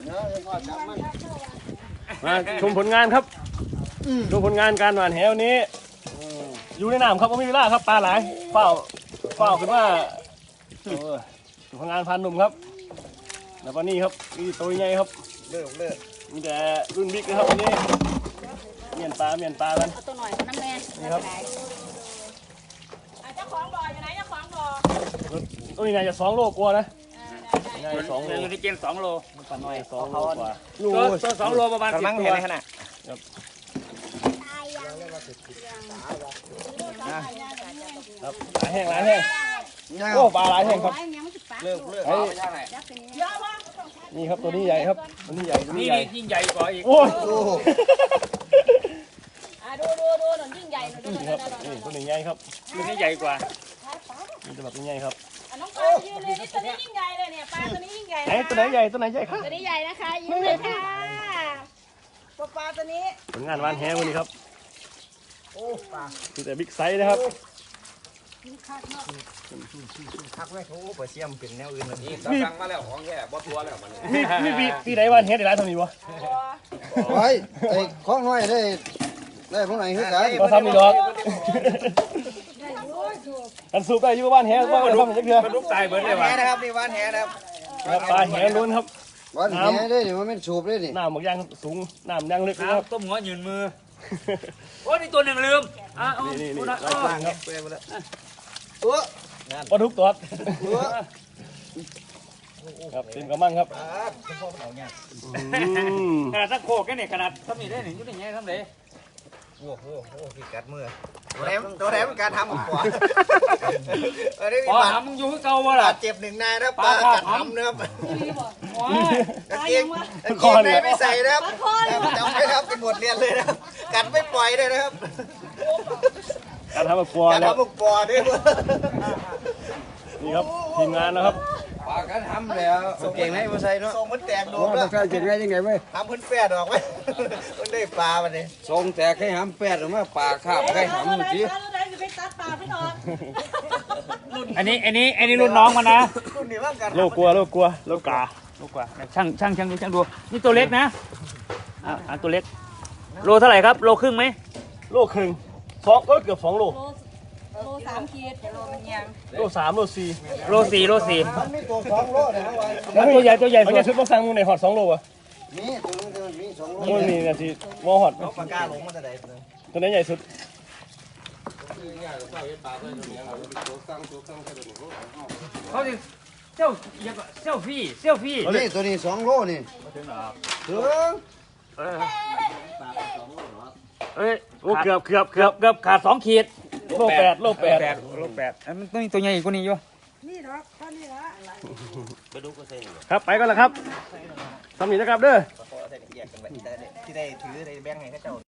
มาชมผลงานครับดูผลงานการหวานแหวันนี้อยู่ในน้ำครับไม่มีเวลาครับปลาหลายเฝ้าขึ้นว่าผลงานพันหนุ่มครับแล้วก็นี่ครับนี่ตัวใหญ่ครับเลิกมีแต่รุ่นบิ๊กนะครับวันนี้เมียนปลากันเอาตัวหน่อยน้ำแม่นี่ครับเจ้าของบ่ออยู่ไหนเจ้าของบ่อตัวนี้น่าจะ2 โลกว่านะน่าจะ2 โลอยู่ในเกณฑ์2 โลมันปลาน้อย2 โลกว่าตัว2 โลประมาณ10 ตัวขนาดครับหลายแห้งโอ้ปลาหลายแห้งครับเลิกนี่ครับตัวนี้ใหญ่ครับตัวนี้ใหญ่นี่ยิ่งใหญ่กว่าอีกโอ้ยดูหน่อยยิ่งใหญ่หน่อยดูครับนี่ตัวนี้ใหญ่ครับตัวนี้ใหญ่กว่านี่ตัวแบบนี้ใหญ่ครับน้องปลายืนเลยนี่ตัวนี้ยิ่งใหญ่เลยเนี่ยปลาตัวนี้ยิ่งใหญ่ตัวไหนใหญ่ครับตัวนี้ใหญ่นะคะยิ้มเลยค่ะปลาตัวนี้ผลงานวานแหวันนี้ครับโอ้ปลาคือแต่บิ๊กไซส์นะครับทักไว้โอ้เปิดเสียมเป็นแนวอื่นเลยนี่สั่งมาแล้วของแค่บ่ทัวแล้วมันมีปีไหนวานแหได้หลายเท่านี้วะไว้ไอ้ของน้อยได้พวกไหนคือกันมาทำนี่ดอกกันสูบได้อยู่บ้านแหว่ากันทำอย่างเดียวมันลุกตายเบิร์ดเลยวะนะครับนี่วานแหนะครับปลาแหล้วนครับวานแหได้ดิมันเป็นสูบได้ดิน้ำหมกยางสูงน้ำยางลึกนะครับต้มหัวยืนมือโอ้นี่ตัวหนึ่งลืมนี่ลายกลางครับตัวปลาทุกตัวครับเต็มกระมังครับขนาดสักโคกแค่เนี่ยขนาดทำนี่ได้หนึ่งยุติยังไงทำเลยโอ้พี่กัดมือตัวแหลมการทำของขวาปลาทำมึงอยู่ที่เก่าวะล่ะเจ็บ1 นายนะปลากัดทำนะครับเก่งไม่ใส่นะครับจำไม่ครับเป็นบทเรียนเลยนะครับกัดไม่ปล่อยเลยนะครับการทำแบบปอแล้วการทำแบบปอด้วยนี่ครับทีมงานนะครับปลาการทำแล้วส่งเก่งให้มาใส่เนาะส่งมันแตกโดนแล้วเก่งไงยังไงเว้ยทำพื้นแปดออกไหมมันได้ปลาวันนี้ส่งแตกให้หำแปดออกมาปลาคาบให้หำเมื่อกี้อันนี้รุ่นน้องมันนะโลกลัวช่างดูนี่ตัวเล็กนะตัวเล็กโลเท่าไหร่ครับโลครึ่งไหมโลครึ่ง2ก็เกือบ2 โลโล3 ขีดโลมันยังโล3 โล 4 โล4 มันมีตัว2 โลนะว่าตัวใหญ่เอาชุดมาสั่งมึงในหอด2 โลวะนี่ตัวนึงมี2 โลนี่นะที่วอหอดปากกาหลงมันจะได้ตัวนี้ใหญ่สุดเขาจะเจ้าฟี่นี่ตัวนี้2 โลนี่ถึงโอ้เกือบขาด2 ขีดโล 8 มันต้องมีตัวใหญ่กว่านี้อยู่นี่หรอท่านี่ละครับไปก่อนละครับทำหนีนะครับเด้อที่ได้ถือได้แบ่งให้เขาเจ้า